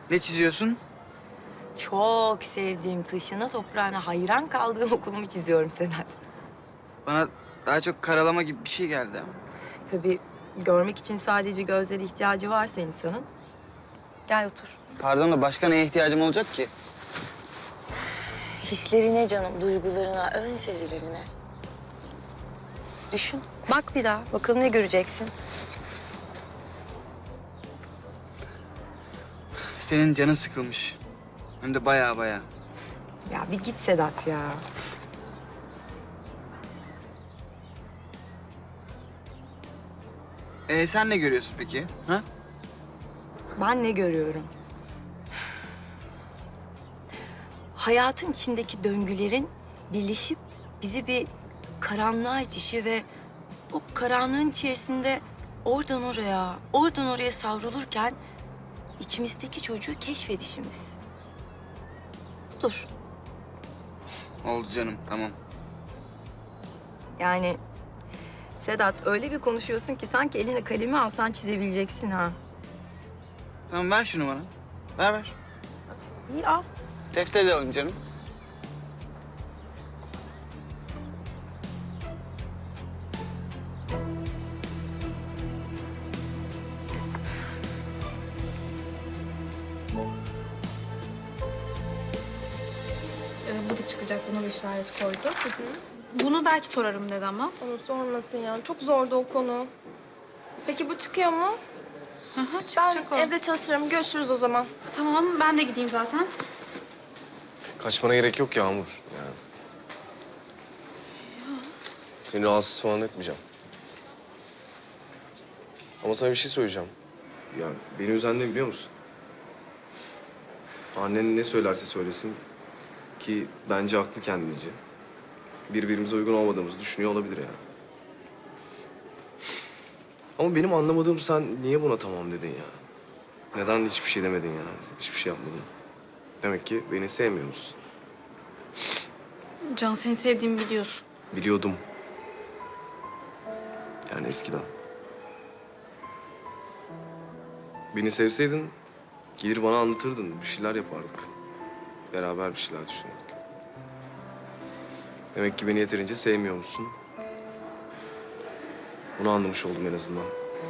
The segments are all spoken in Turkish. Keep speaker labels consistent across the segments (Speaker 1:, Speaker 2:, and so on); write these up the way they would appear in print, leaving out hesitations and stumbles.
Speaker 1: Ne çiziyorsun?
Speaker 2: Çok sevdiğim, taşına toprağına hayran kaldığım okulumu çiziyorum Sedat.
Speaker 1: Bana daha çok karalama gibi bir şey geldi ama.
Speaker 2: Tabii görmek için sadece gözlere ihtiyacı varsa insanın. Gel otur.
Speaker 1: Pardon da başka neye ihtiyacım olacak ki?
Speaker 2: Hislerine canım, duygularına, ön sezilerine. Düşün. Bak bir daha. Bakalım ne göreceksin.
Speaker 1: Senin canın sıkılmış. Hem de baya baya.
Speaker 2: Ya bir git Sedat ya.
Speaker 1: Sen ne görüyorsun peki? Ha?
Speaker 2: Ben ne görüyorum? Hayatın içindeki döngülerin birleşip bizi bir karanlığa itişi ve o karanlığın içerisinde oradan oraya savrulurken içimizdeki çocuğu keşfedişimiz. Budur.
Speaker 1: Oldu canım, tamam.
Speaker 2: Yani Sedat öyle bir konuşuyorsun ki sanki eline kalemi alsan çizebileceksin ha.
Speaker 1: Tamam ver şunu bana. Ver.
Speaker 2: İyi al.
Speaker 1: Defteri de alayım canım.
Speaker 3: Bu da çıkacak, buna da işaret koydu. Bunu belki sorarım dedi ama.
Speaker 4: Onu sormasın ya. Çok zordu o konu. Peki bu çıkıyor mu?
Speaker 3: Hı hı,
Speaker 4: Ben
Speaker 3: çıkacak o.
Speaker 4: evde çalışırım. Görüşürüz o zaman.
Speaker 3: Tamam, ben de gideyim zaten.
Speaker 5: Kaçmana gerek yok Yağmur. Yani. Seni rahatsız falan etmeyeceğim. Ama sana bir şey söyleyeceğim. Ya beni üzen ne biliyor musun? Annen ne söylerse söylesin ki bence haklı kendince. Birbirimize uygun olmadığımızı düşünüyor olabilir yani. Ama benim anlamadığım sen niye buna tamam dedin ya? Neden hiçbir şey demedin yani? Hiçbir şey yapmadın. Demek ki beni sevmiyor musun?
Speaker 3: Can, seni sevdiğimi biliyorsun.
Speaker 5: Biliyordum. Yani eskiden. Beni sevseydin gelir bana anlatırdın. Bir şeyler yapardık. Beraber bir şeyler düşünürdük. Demek ki beni yeterince sevmiyor musun? Bunu anlamış oldum en azından.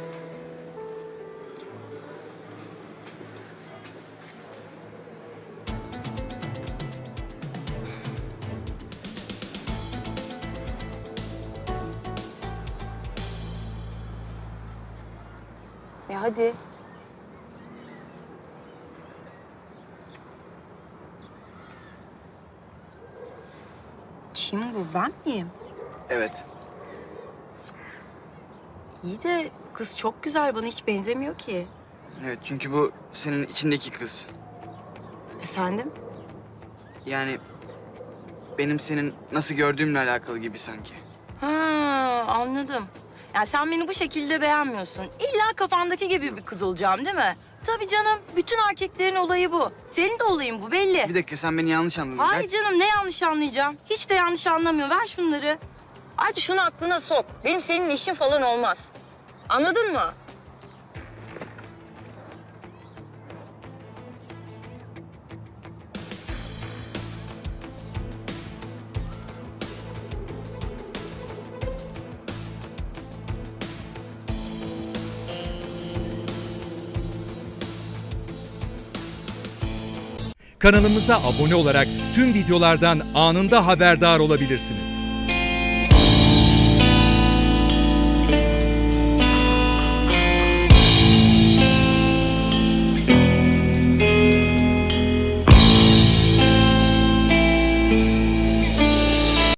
Speaker 2: Hadi. Kim bu? Ben miyim?
Speaker 1: Evet.
Speaker 2: İyi de kız çok güzel. Bana hiç benzemiyor ki.
Speaker 1: Evet, çünkü bu senin içindeki kız.
Speaker 2: Efendim?
Speaker 1: Yani benim senin nasıl gördüğümle alakalı gibi sanki.
Speaker 2: Ha, anladım. Yani sen beni bu şekilde beğenmiyorsun. İlla kafandaki gibi bir kız olacağım değil mi? Tabii canım. Bütün erkeklerin olayı bu. Senin de olayın bu belli.
Speaker 1: Bir dakika, sen beni yanlış anladın.
Speaker 2: Hayır canım, ne yanlış anlayacağım? Hiç de yanlış anlamıyor. Ver şunları. Hadi şunu aklına sok. Benim senin işin falan olmaz. Anladın mı?
Speaker 6: Kanalımıza abone olarak tüm videolardan anında haberdar olabilirsiniz.